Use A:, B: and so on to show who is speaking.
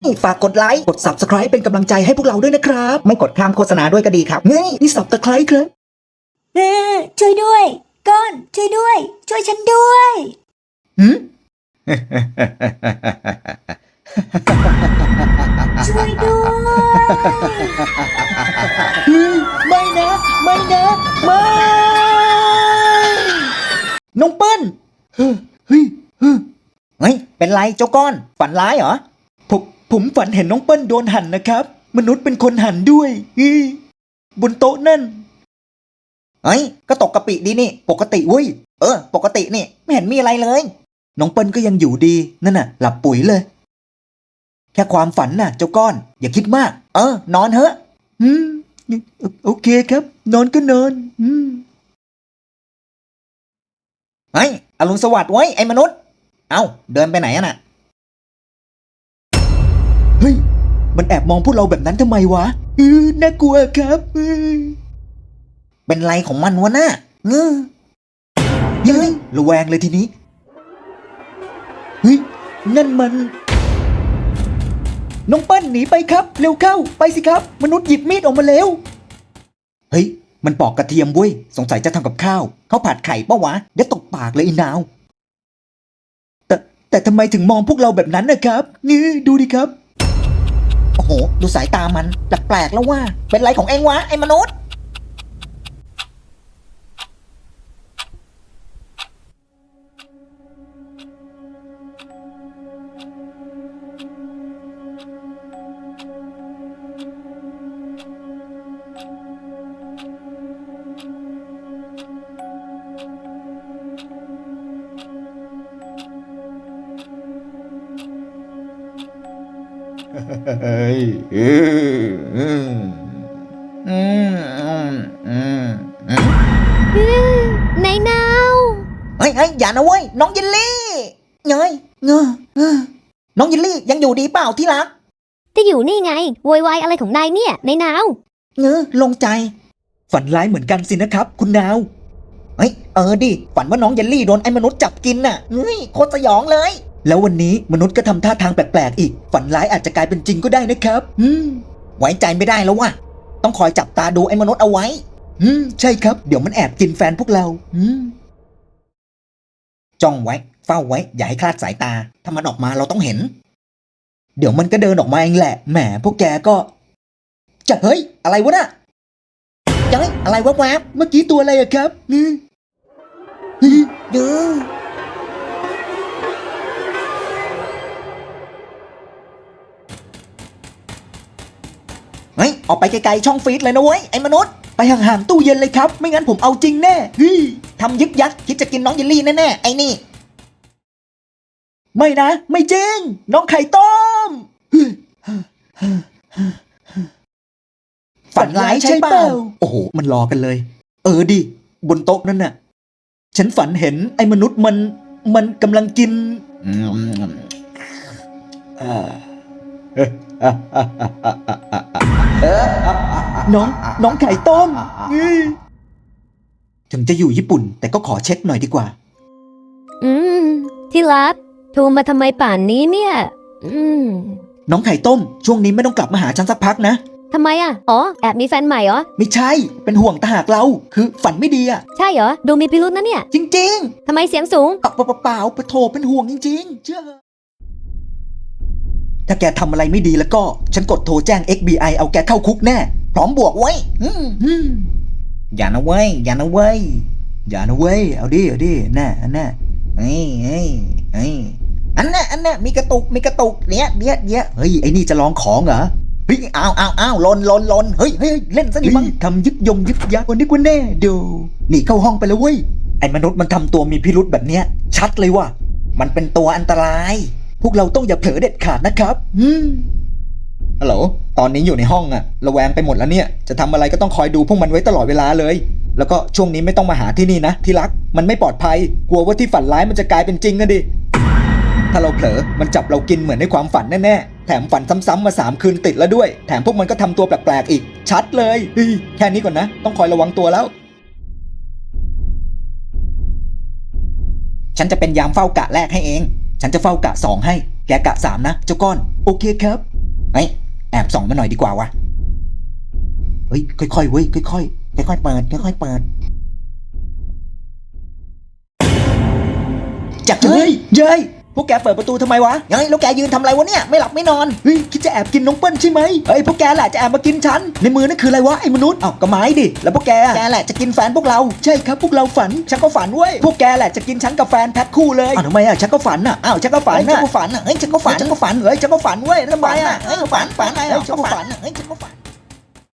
A: ฝากกดไลค์กด Subscribe เป็นกำลังใจให้พวกเราด้วยนะครับไม่กดข้ามโฆษณาด้วยก็ดีครับนี่ Subscribe ครับ
B: ช่วยด้วยก้อนช่วยด้วย ช่วยฉันด้วย ช่วยด้วย
A: ไม่นะไม่นะไม่น้องเปิ้ลเฮ้ยเป็นไรเจ้าก้อนฝันร้ายเหรอผมฝันเห็นน้องเปิ้ลโดนหั่นนะครับมนุษย์เป็นคนหั่นด้วยบนโต๊ะนั่นเฮ้ยก็ตกกะปิดีนี่ปกติเว้ยปกตินี่ไม่เห็นมีอะไรเลยน้องเปิ้ลก็ยังอยู่ดีนั่นน่ะหลับปุ๋ยเลยแค่ความฝันน่ะเจ้าก้อนอย่าคิดมากนอนเถอะโอเคครับนอนก็นอนเฮ้ยอรุณสวัสดิ์ไว้ไอ้มนุษย์เอ้าเดินไปไหนน่ะเฮ้ยมันแอบมองพวกเราแบบนั้นทำไมวะน่ากลัวครับเป็นไรของมันวะน่ะเฮ้ยระแวงเลยทีนี้เฮ้ยนั่นมันน้องเปิ้ลหนีไปครับเร็วเข้าไปสิครับมนุษย์หยิบมีดออกมาเร็วเฮ้ยมันปอกกระเทียมเว้ยสงสัยจะทำกับข้าวเขาผัดไข่ปะวะเดี๋ยวตกปากเลยอีนาวแต่ทำไมถึงมองพวกเราแบบนั้นนะครับนี่ดูดิครับโอ้โหดูสายตามันแปลกๆแล้วว่าเป็นไรของเองวะไอ้มนุษย์
B: นายนาว
A: เฮ้ยอย่านะเว้ยน้องยิลลี่เงยน้องยิลลี่ยังอยู่ดีเปล่าที่รัก
B: จะอยู่นี่ไงโวยวายอะไรของนายเนี่ยนายนาว
A: ลงใจฝันร้ายเหมือนกันสินะครับคุณนาวเฮ้ยดิฝันว่าน้องยิลลี่โดนไอ้มนุษย์จับกินน่ะโคตรสยองเลยแล้ววันนี้มนุษย์ก็ทำท่าทางแปลกๆอีกฝันร้ายอาจจะกลายเป็นจริงก็ได้นะครับไว้ใจไม่ได้แล้วว่ะต้องคอยจับตาดูไอ้มนุษย์เอาไว้ใช่ครับเดี๋ยวมันแอบกินแฟนพวกเราจ้องไว้เฝ้าไว้อย่าให้คลาดสายตาถ้ามันออกมาเราต้องเห็นเดี๋ยวมันก็เดินออกมาเองแหละแหมพวกแกก็จะเฮ้ยอะไรวะน่ะเฮ้ยอะไรวะแวบเมื่อกี้ตัวอะไรอะครับเฮ้ยออกไปไกลๆช่องฟีดเลยนะเว้ยไอ้มนุษย์ไปห่างๆตู้เย็นเลยครับไม่งั้นผมเอาจริงแน่ทำยึกยักคิดจะกินน้องเยลลี่แน่ๆไอ้นี่ไม่นะไม่จริงน้องไข่ต้มฝันร้ายใช่เปล่าโอ้โหมันรอกันเลยดิบนโต๊ะนั่นน่ะฉันฝันเห็นไอ้มนุษย์มันกำลังกินน้องไข่ต้มถึงจะอยู่ญี่ปุ่นแต่ก็ขอเช็คหน่อยดีกว่า
B: ที่รักโทรมาทำไมป่านนี้เนี่ย
A: น้องไข่ต้มช่วงนี้ไม่ต้องกลับมาหาฉันสักพักนะ
B: ทำไมอ่ะแอบมีแฟนใหม่เหรอ
A: ไม่ใช่เป็นห่วงตาหากเราคือฝันไม่ดีอ่ะ
B: ใช่เหรอดูมีพิรุธนะเนี่ย
A: จริง
B: ๆทำไมเสียงสูง
A: เปล่าโทรเป็นห่วงจริงๆเชื่อถ้าแกทำอะไรไม่ดีแล้วก็ฉันกดโทรแจ้ง FBI เอาแกเข้าคุกแน่พร้อมบวกไว้อย่านะเว้ยเอาดิแน่อันน่ะอันน่ะมีกระตุกเนี้ยเฮ้ยไอ้นี่จะลองของเหรอเฮ้ยอ้าวลนเฮ้ยเล่นซะดิมั้งทำยึกยักวันนี้กว่าแน่ดูนี่เข้าห้องไปแล้วเว้ยไอ้มนุษย์มันทำตัวมีพิรุธแบบเนี้ยชัดเลยว่ะมันเป็นตัวอันตรายพวกเราต้องอย่าเผลอเด็ดขาดนะครับฮัลโหลตอนนี้อยู่ในห้องอะระแวงไปหมดแล้วเนี่ยจะทำอะไรก็ต้องคอยดูพวกมันไว้ตลอดเวลาเลยแล้วก็ช่วงนี้ไม่ต้องมาหาที่นี่นะที่รักมันไม่ปลอดภัยกลัวว่าที่ฝันร้ายมันจะกลายเป็นจริงอะดิถ้าเราเผลอมันจับเรากินเหมือนในความฝันแน่ๆแถมฝันซ้ำๆมา3 คืนติดแล้วด้วยแถมพวกมันก็ทำตัวแปลกๆอีกชัดเลยแค่นี้ก่อนนะต้องคอยระวังตัวแล้วฉันจะเป็นยามเฝ้ากะแรกให้เองฉันจะเฝ้ากะ2ให้แกกะ3นะเจ้าก้อนโอเคครับเฮ้ยแอบส่องมาหน่อยดีกว่าวะเฮ้ยค่อยๆเว้ยค่อยๆค่อยๆเปิดค่อยๆเปิดจักเฮ้ยเย้ยพวกแกเปิดประตูทำไมวะเฮ้ยแล้วแกยืนทำอะไรวะเนี่ยไม่หลับไม่นอนเฮ้ยคิดจะแอบกินน้องเปิ้ลใช่ไหมเฮ้ยพวกแกแหละจะแอบมากินฉันในมือนั่นคืออะไรวะไอ้มนุษย์เอ้าก็ไม้ดิแล้วพวกแกแหละจะกินแฟนพวกเราใช่ครับพวกเราฝันฉันก็ฝันเว้ยพวกแกแหละจะกินฉันกับแฟนแพ็คคู่เลยอ้าวทำไมอ่ะฉันก็ฝันอ่ะอ้าวฉันก็ฝันฉันก็ฝันอ่ะเฮ้ยฉันก็ฝันเฮ้ยฉันก็ฝันเว้ยทำไมอ่ะเฮ้ยฝันเฮ้ยฉันก็ฝันเฮ้ยฉันก็ฝัน